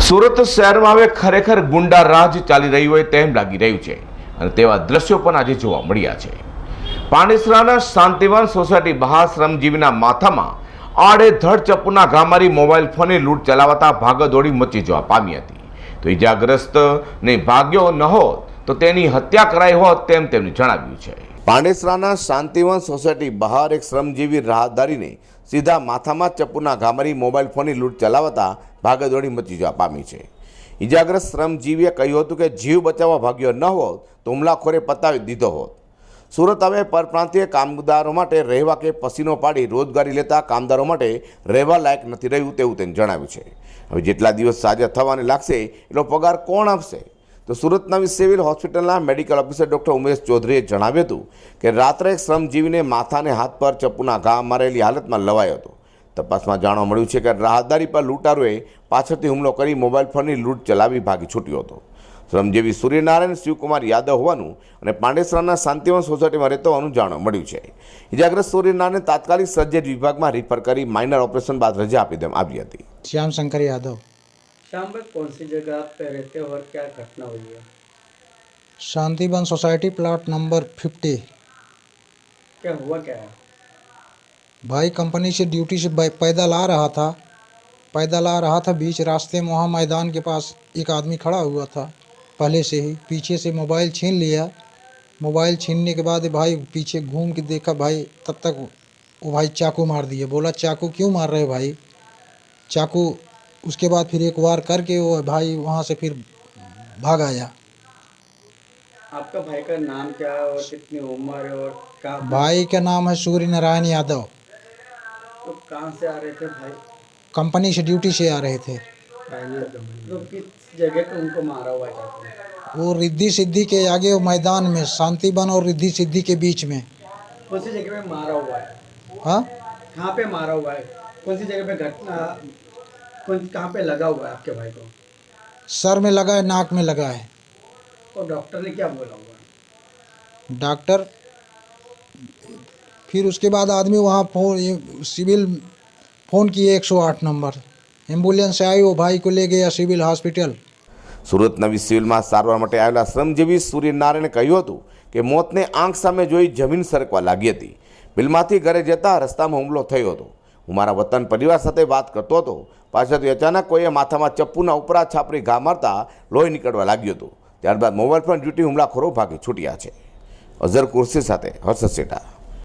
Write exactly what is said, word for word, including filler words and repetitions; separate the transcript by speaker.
Speaker 1: સુરત શહેરમાં હવે ખરેખર ગુંડા રાજ ચાલી રહ્યું હોય તેમ લાગી રહ્યું છે અને તેવા દ્રશ્યો પણ આજે જોવા મળ્યા છે। પાંડેસરાના શાંતિવન સોસાયટી બહાર શ્રમજીવીના માથામાં આડેધડ ચપ્પુના ઘા મારી મોબાઈલ ફોનની લૂંટ ચલાવતા ભાગદોડી મચી જવા પામી હતી। તો ઈજાગ્રસ્તને ભાગ્યો ન હોત તો તેની હત્યા કરાઈ હોત તેમ તેમણે જણાવ્યું છે। પાંડેસરાના શાંતિવન સોસાયટી બહાર એક શ્રમજીવી રાહદારીને સીધા માથામાં ચપ્પુના ઘા મારી મોબાઈલ ફોનની લૂંટ ચલાવતા ભાગદોડી મચી જવા પામી છે। ઈજાગ્રસ્ત શ્રમજીવીએ કહ્યું હતું કે જીવ બચાવવા ભાગ્યો ન હોત તો હુમલાખોરે પતાવી દીધો હોત। સુરત હવે પરપ્રાંતીય કામદારો માટે રહેવા કે પસીનો પાડી રોજગારી લેતા કામદારો માટે રહેવા લાયક નથી રહ્યું તેવું તેને જણાવ્યું છે। હવે જેટલા દિવસ સાજા થવાને લાગશે એટલો પગાર કોણ આપશે? તો સુરત નવી સિવિલ હોસ્પિટલના મેડિકલ ઓફિસર ડૉક્ટર ઉમેશ ચૌધરીએ જણાવ્યું હતું કે રાત્રે એક શ્રમજીવીને માથાને હાથ પર ચપ્પુના ઘા મારેલી હાલતમાં લવાયો હતો। તપાસમાં જાણવા મળ્યું છે કે રાહદારી પર લૂંટારોએ પાછળથી હુમલો કરી મોબાઈલ ફોનની લૂંટ ચલાવી ભાગી છૂટ્યો હતો। શ્રમજીવી સૂર્યનારાયણ શિવકુમાર યાદવ હોવાનું અને પાંડેસરાના શાંતિવન સોસાયટીમાં રહેતો હોવાનું જાણવા મળ્યું છે। ઇજાગ્રસ્ત સૂર્યનારાયણને તાત્કાલિક સર્જરી વિભાગમાં રિફર કરી માઇનર ઓપરેશન બાદ રજા આપી દેવામાં આવી હતી।
Speaker 2: श्याम शंकर यादव।
Speaker 3: शाम में कौन सी जगह आप पे रहते हो और क्या घटना हुई है?
Speaker 2: Shantivan society plot number fifty.
Speaker 3: क्या हुआ क्या है?
Speaker 2: भाई कंपनी से ड्यूटी से पैदल आ रहा था पैदल आ रहा था बीच रास्ते में वहाँ मैदान के पास एक आदमी खड़ा हुआ था पहले से ही। पीछे से मोबाइल छीन लिया। मोबाइल छीनने के बाद भाई पीछे घूम के देखा भाई, तब तक वो भाई चाकू मार दिए। बोला चाकू क्यों मार रहे भाई? चाकू उसके बाद फिर एक वार करके वो भाई वहाँ से फिर भाग आया।
Speaker 3: आपका भाई का नाम क्या है और कितनी उम्र है और कहाँ?
Speaker 2: भाई का नाम है सूर्य नारायण यादव।
Speaker 3: तो कहाँ से आ रहे थे भाई?
Speaker 2: कंपनी से ड्यूटी से आ रहे थे।
Speaker 3: तो किस जगह पे उनको मारा हुआ है चाकू?
Speaker 2: वो रिद्धि सिद्धि के आगे वो मैदान में शांतिवन और रिद्धि सिद्धि के बीच में।
Speaker 3: कौन सी जगह पे मारा हुआ है?
Speaker 2: हाँ,
Speaker 3: कहाँ पे मारा हुआ है? कौन सी जगह पे घटना कौन कहाँ पे लगा हुआ है आपके भाई को?
Speaker 2: सर में लगा है, नाक में लगा है।
Speaker 3: और डॉक्टर ने क्या बोला हुआ है?
Speaker 2: डॉक्टर फिर उसके बाद आदमी वहाँ फोन सिविल फ़ोन किए एक सौ आठ नंबर। एम्बुलेंस आई, वो भाई को ले गया सिविल हॉस्पिटल।
Speaker 1: સુરત નવી સિવિલમાં સારવાર માટે આવેલા શ્રમજીવી સૂર્યનારાયણે કહ્યું હતું કે મોતને આંખ સામે જોઈ જમીન સરકવા લાગી હતી। બિલમાંથી ઘરે જતા રસ્તામાં હુમલો થયો હતો। હું મારા વતન પરિવાર સાથે વાત કરતો હતો, પાછળથી અચાનક કોઈએ માથામાં ચપ્પુના ઉપરા છાપરી ઘા મારતા લોહી નીકળવા લાગ્યું હતું। ત્યારબાદ મોબાઈલ પર ડ્યુટી હુમલાખોરો ભાગી છૂટ્યા છે। અઝર કુર્સી સાથે હર્ષદ સેઠા।